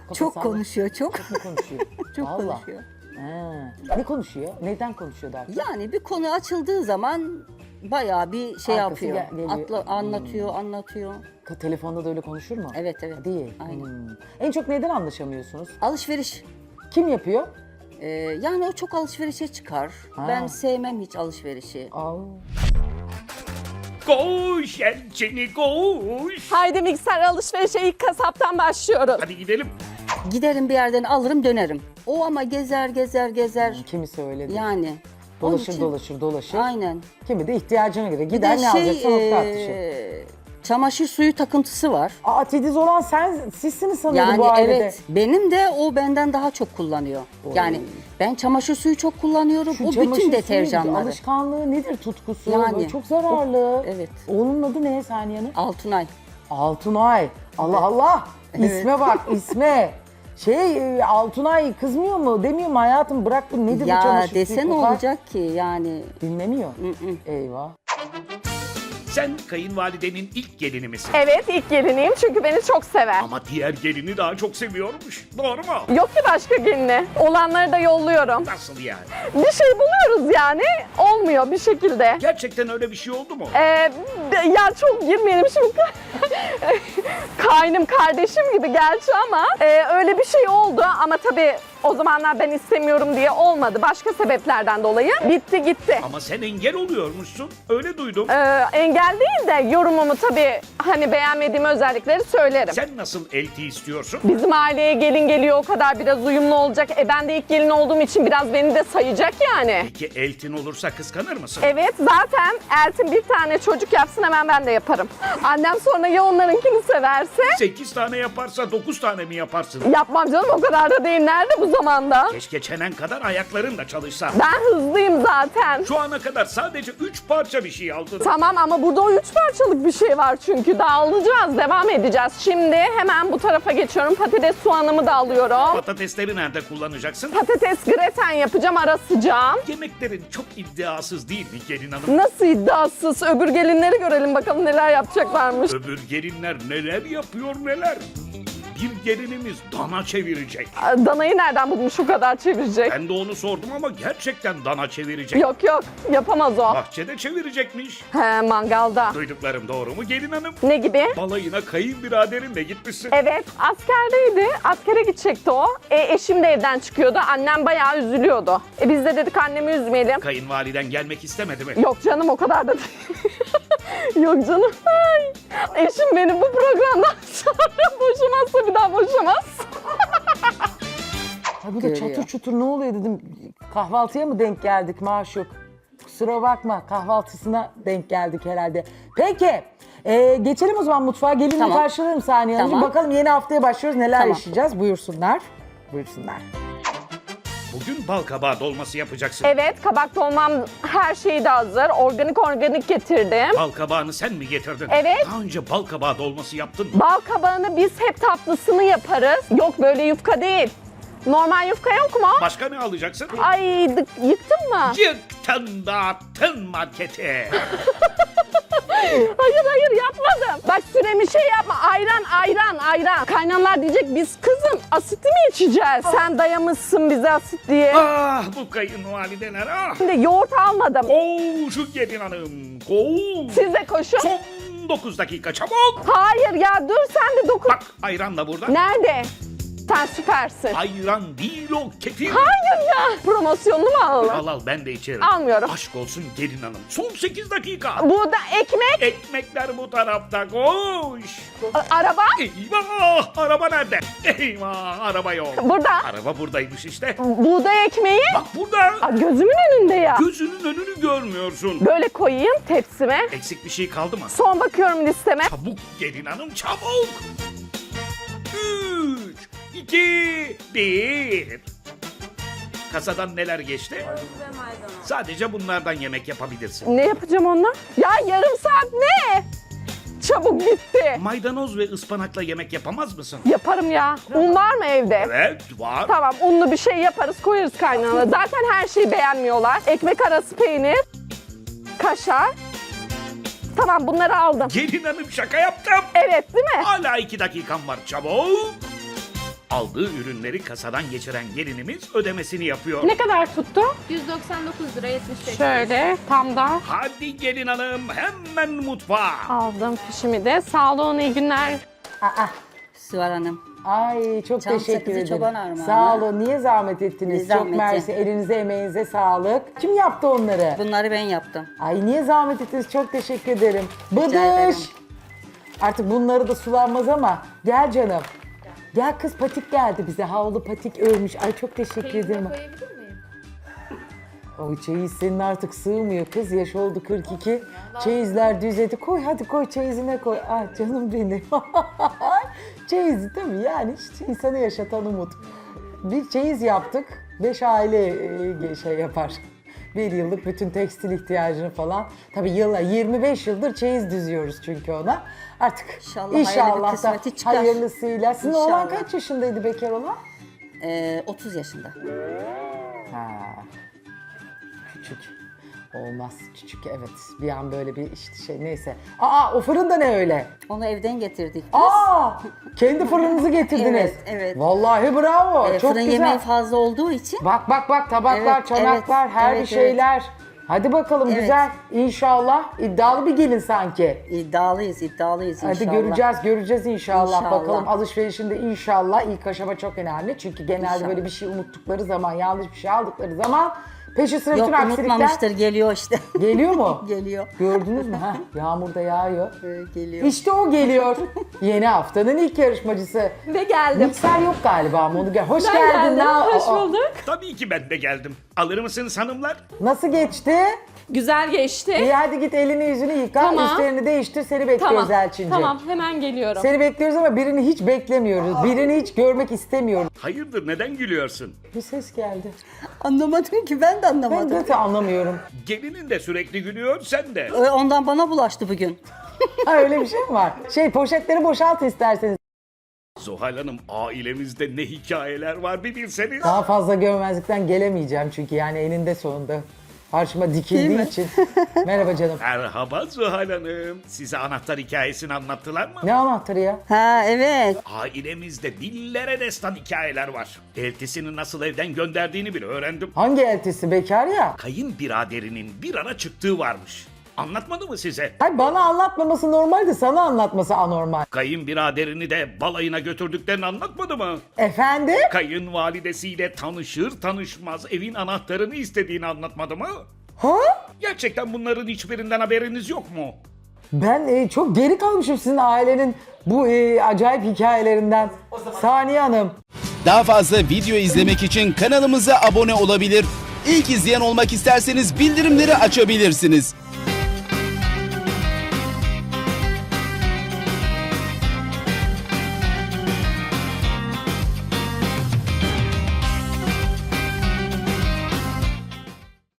Çok salla. konuşuyor, çok. Çok mu konuşuyor? Çok Vallahi. konuşuyor. Ha. Ne konuşuyor? Neden konuşuyor daha çok? Yani bir konu açıldığı zaman bayağı bir şey Arkası yapıyor. geliyor. Anlatıyor. Telefonda da öyle konuşur mu? Evet, evet. Değil. Aynen. En çok neden anlaşamıyorsunuz? Alışveriş. Kim yapıyor? Yani o çok alışverişe çıkar. Ha. Ben sevmem hiç alışverişi. Aa. Koş Elçini koş. Haydi mikser alışverişe ilk kasaptan başlıyoruz. Hadi gidelim. Giderim bir yerden alırım dönerim. O ama gezer. Kimisi öyle değil. Yani. onun Dolaşır için- dolaşır. Aynen. Kimi de ihtiyacına göre Bir gider de ne alacaksa nokta atışı. çamaşır suyu takıntısı var. Aa, titiz olan sizsiniz sanıyorum Yani bu ailede. evet, benim de o benden daha çok kullanıyor. Yani ben çamaşır suyu çok kullanıyorum. Şu o çamaşır bütün suyu deterjanları. alışkanlığı nedir tutkusu? Yani. Böyle çok zararlı. Evet. Oğlunun adı ne Saniye'nin? Altunay. Altunay. Allah Allah. İsme bak isme. Altunay kızmıyor mu? Demiyor mu hayatım bırak bu nedir bu Ya çamaşır suyu dese ne kokar? olacak ki yani? Dinlemiyor. Eyvah. Sen kayınvalidenin ilk gelini misin? Evet ilk geliniyim çünkü beni çok sever. Ama diğer gelini daha çok seviyormuş. Doğru mu? Yok ki başka gelini. Olanları da yolluyorum. Nasıl yani? Bir şey buluyoruz yani. Olmuyor bir şekilde. Gerçekten öyle bir şey oldu mu? Ya çok girmeyelim şimdi. Kaynım kardeşim gibi gerçi ama öyle bir şey oldu ama tabii o zamanlar ben istemiyorum diye olmadı. Başka sebeplerden dolayı bitti gitti. Ama sen engel oluyormuşsun. Öyle duydum. Engel değil de yorumumu tabii hani beğenmediğim özellikleri söylerim. Sen nasıl elti istiyorsun? Bizim aileye gelin geliyor o kadar biraz uyumlu olacak. Ben de ilk gelin olduğum için biraz beni de sayacak yani. Peki eltin olursa kıskanır mısın? Evet zaten Eltin bir tane çocuk yapsın hemen ben de yaparım. Annem sonra ya onlarınkini severse 8 tane yaparsa 9 tane mi yaparsın? yapmam canım o kadar da değil. Nerede bu zamanda? Keşke çenen kadar ayakların da çalışsa. Ben hızlıyım zaten. Şu ana kadar sadece 3 parça bir şey aldın. Tamam ama burada o 3 parçalık bir şey var çünkü daha alacağız, devam edeceğiz. Şimdi hemen bu tarafa geçiyorum. Patates soğanımı da alıyorum. Patatesleri nerede kullanacaksın? Patates greten yapacağım, ara sıcağım. Yemeklerin çok iddiasız değil mi gelin hanım? Nasıl iddiasız? Öbür gelinleri görelim bakalım neler yapacaklarmış. Öbür gelinler neler yapıyor neler. Bir gelinimiz dana çevirecek. Danayı nereden bulmuş o kadar çevirecek? Ben de onu sordum ama gerçekten dana çevirecek. Yok yapamaz o. Bahçede çevirecekmiş. He mangalda. Duyduklarım doğru mu gelin hanım? Ne gibi? Balayına kayınbiraderinle gitmişsin. Evet askerdeydi. Askere gidecekti o. Eşim de evden çıkıyordu. Annem bayağı üzülüyordu. Biz de dedik annemi üzmeyelim. Kayınvaliden gelmek istemedi mi? Yok canım o kadar da değil. Yok canım. Ay. Eşim beni bu programdan sonra boşamazsa bir daha boşamaz. Ha, bu da Görüyor. çatır çutur ne oluyor dedim. Kahvaltıya mı denk geldik Maşuk? Kusura bakma kahvaltısına denk geldik herhalde. Peki geçelim o zaman mutfağa. Gelin Tamam. karşılarım Saniye Hanımcığım. Tamam. Bakalım yeni haftaya başlıyoruz. Neler Tamam. yaşayacağız? Buyursunlar. Buyursunlar. Bugün bal kabağı dolması yapacaksın. Evet kabak dolmam her şeyi de hazır. Organik getirdim. Bal kabağını sen mi getirdin? Evet. Daha önce bal kabağı dolması yaptın mı? Bal kabağını biz hep tatlısını yaparız. Yok böyle yufka değil. Normal yufka yok mu? Başka ne alacaksın? Ay yıktın mı? Yıktın dağıttın markete. Hayır yapmadım. Bak süremi şey yapma. Ayran. Kaynanlar diyecek biz kızım asitli mi içeceğiz? Sen dayamışsın bize asit diye. Ah bu kayınvalideler ah. Şimdi yoğurt almadım. Koş gelin hanım koş. Siz de koşun. Son 9 dakika çabuk. Hayır ya dur sen de dokun. Bak ayran da burada. Nerede? Sen süpersin. Ayran değil o kefir. Hayır ya. Promosyonunu mu alalım? Al ben de içerim. Almıyorum. Aşk olsun gelin hanım. Son 8 dakika. Bu da ekmek. Ekmekler bu tarafta koş. Araba. Eyvah araba nerede? Eyvah araba yok. Burada. Araba buradaymış işte. Buğday ekmeği. Bak burada. Aa, gözümün önünde ya. Gözünün önünü görmüyorsun. Böyle koyayım tepsime. Eksik bir şey kaldı mı? Son bakıyorum listeme. Çabuk gelin hanım çabuk. 3, 2, 1. Kasadan neler geçti? Sadece bunlardan yemek yapabilirsin. Ne yapacağım onunla? Ya yarım saat ne? Çabuk bitti. Maydanoz ve ıspanakla yemek yapamaz mısın? Yaparım ya. Un var mı evde? Evet var. Tamam unlu bir şey yaparız koyarız kaynağına. Zaten her şeyi beğenmiyorlar. Ekmek arası peynir, kaşar. Tamam bunları aldım. Gelin hanım şaka yaptım. Evet değil mi? Hala 2 dakikam var çabuk. Aldığı ürünleri kasadan geçiren gelinimiz ödemesini yapıyor. Ne kadar tuttu? 199 lira 75. Şöyle tam da Hadi gelin hanım hemen mutfağa. aldım fişimi de. Sağ olun, iyi günler. Süvar Hanım. Ay çok Çam teşekkür sakızı ederim. çoban armağanı. Sağ olun. Niye zahmet ettiniz? Ne Çok zahmeti? mersi. Elinize emeğinize sağlık. Kim yaptı onları? Bunları ben yaptım. Ay niye zahmet ettiniz? Çok teşekkür ederim. Bıdış. ederim. Artık bunları da sulanmaz ama gel canım. Gel kız, patik geldi bize. Havlu patik örmüş. Ay çok teşekkür ederim. Koyabilir miyim? O çeyiz senin artık sığmıyor kız. Yaş oldu 42. Çeyizler düzedi. Koy hadi, koy çeyizine koy. Ay canım benim. Çeyiz değil mi? Yani işte insanı yaşatan umut. Bir çeyiz yaptık. 5 aile şey yapar. Bir yıllık bütün tekstil ihtiyacını falan. Tabii 25 yıldır çeyiz düzüyoruz çünkü ona. Artık İnşallah hayırlı bir inşallah da kısmeti çıkar. hayırlısıyla. Sizin oğlan İnşallah. kaç yaşındaydı bekar olan? 30 yaşında. Ha. Küçük. Olmaz. Küçük, evet. Bir an böyle bir işte şey, neyse. Aa, o fırın da ne öyle? Onu evden getirdik. Aa! Kendi fırınınızı getirdiniz. Evet, evet. Vallahi bravo. Çok Fırın güzel. yemeği fazla olduğu için Bak bak bak, tabaklar, Evet, çanaklar, evet, her bir evet, şeyler. Hadi bakalım, Evet. güzel. İnşallah iddialı bir gelin sanki. iddialıyız inşallah. Hadi göreceğiz inşallah. İnşallah. Bakalım alışverişinde inşallah ilk aşama çok önemli. Çünkü genelde İnşallah. böyle bir şey unuttukları zaman, yanlış bir şey aldıkları zaman peşi sıra bütün Yok aksilikler unutmamıştır, geliyor işte. geliyor mu? Geliyor. Gördünüz mü? Ha, yağmur da yağıyor. Geliyor. İşte o geliyor. Yeni haftanın ilk yarışmacısı. Ve geldim. Mikser yok galiba ama onu gel. Hoş Ben geldin. geldim, hoş Aa, bulduk. Tabii ki ben de geldim. Alır mısınız hanımlar? Nasıl geçti? Güzel geçti. İyi, hadi git elini yüzünü yıka, Tamam. üstlerini değiştir, seni bekliyoruz Elçin'ciğim. Tamam, hemen geliyorum. Seni bekliyoruz ama birini hiç beklemiyoruz. Birini hiç görmek istemiyoruz. Hayırdır neden gülüyorsun? Bir ses geldi. Anlamadım ki, ben de Ben anlamadım. zaten anlamıyorum. Gelinin de sürekli gülüyor sen de. Ondan bana bulaştı bugün. Ha, öyle bir şey mi var? Poşetleri boşalt isterseniz. Zuhal Hanım, ailemizde ne hikayeler var bir bilseniz. Daha fazla görmezlikten gelemeyeceğim çünkü yani eninde sonunda karşıma Değil dikildiği mi? için. Merhaba canım. Merhaba Zuhal Hanım. Size anahtar hikayesini anlattılar mı? Ne anahtarı ya? Ha evet. Ailemizde dillere destan hikayeler var. Eltisini nasıl evden gönderdiğini bile öğrendim. Hangi eltisi, bekar ya? Kayınbiraderinin bir ara çıktığı varmış. Anlatmadı mı size? Hayır, bana anlatmaması normal de sana anlatması anormal. Kayınbiraderini de balayına götürdüklerini anlatmadı mı? Efendim? Kayınvalidesiyle tanışır tanışmaz evin anahtarını istediğini anlatmadı mı? Ha? Gerçekten bunların hiçbirinden haberiniz yok mu? Ben çok geri kalmışım sizin ailenin bu acayip hikayelerinden. Saniye Hanım. Daha fazla video izlemek için kanalımıza abone olabilir. İlk izleyen olmak isterseniz bildirimleri açabilirsiniz.